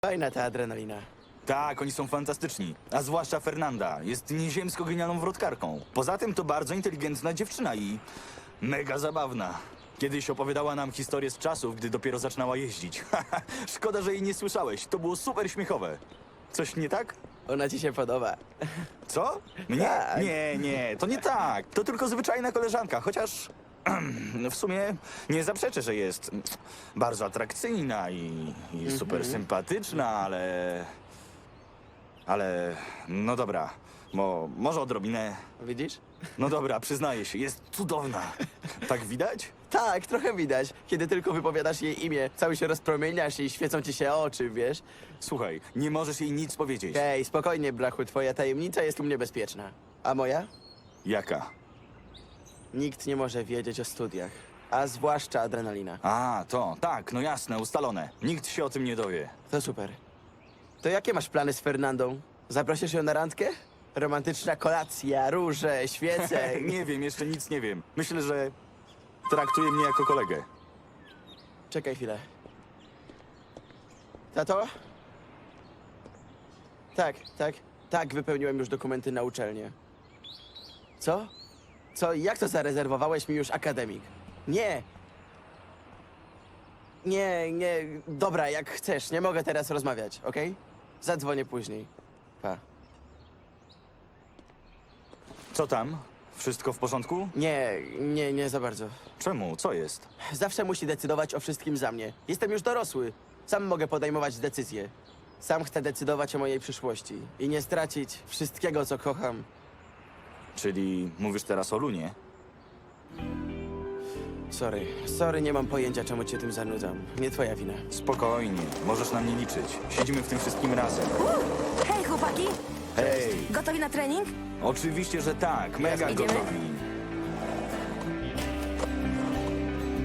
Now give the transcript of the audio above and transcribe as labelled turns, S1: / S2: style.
S1: Fajna ta adrenalina.
S2: Tak, oni są fantastyczni. A zwłaszcza Fernanda. Jest nieziemsko genialną wrotkarką. Poza tym to bardzo inteligentna dziewczyna i mega zabawna. Kiedyś opowiadała nam historię z czasów, gdy dopiero zaczynała jeździć. Szkoda, że jej nie słyszałeś. To było super śmiechowe. Coś nie tak?
S1: Ona ci się podoba.
S2: Co? Mnie?
S1: Tak.
S2: Nie, to nie tak. To tylko zwyczajna koleżanka, chociaż w sumie nie zaprzeczę, że jest bardzo atrakcyjna i super sympatyczna, ale no dobra, może odrobinę.
S1: Widzisz?
S2: No dobra, przyznaję się, jest cudowna. Tak widać?
S1: Tak, trochę widać. Kiedy tylko wypowiadasz jej imię, cały się rozpromieniasz i świecą ci się oczy, wiesz?
S2: Słuchaj, nie możesz jej nic powiedzieć.
S1: Hej, spokojnie, brachu, twoja tajemnica jest u mnie bezpieczna. A moja?
S2: Jaka?
S1: Nikt nie może wiedzieć o studiach. A zwłaszcza adrenalina.
S2: A, to, tak, no jasne, ustalone. Nikt się o tym nie dowie.
S1: To super. To jakie masz plany z Fernandą? Zaprosisz ją na randkę? Romantyczna kolacja, róże, świece.
S2: Nie wiem, jeszcze nic nie wiem. Myślę, że traktuje mnie jako kolegę.
S1: Czekaj chwilę. Tato? Tak, wypełniłem już dokumenty na uczelnię. Co? Co? Jak to zarezerwowałeś mi już akademik? Nie! Nie, dobra, jak chcesz, nie mogę teraz rozmawiać, okej? Zadzwonię później. Pa.
S2: Co tam? Wszystko w porządku?
S1: Nie za bardzo.
S2: Czemu? Co jest?
S1: Zawsze musi decydować o wszystkim za mnie. Jestem już dorosły. Sam mogę podejmować decyzje. Sam chcę decydować o mojej przyszłości i nie stracić wszystkiego, co kocham.
S2: Czyli mówisz teraz o Lunie?
S1: Sorry, nie mam pojęcia, czemu cię tym zanudzam. Nie twoja wina.
S2: Spokojnie, możesz na mnie liczyć. Siedzimy w tym wszystkim razem.
S3: Hej, chłopaki!
S2: Hej!
S3: Gotowi na trening?
S2: Oczywiście, że tak, mega
S3: Idziemy?
S2: gotowi.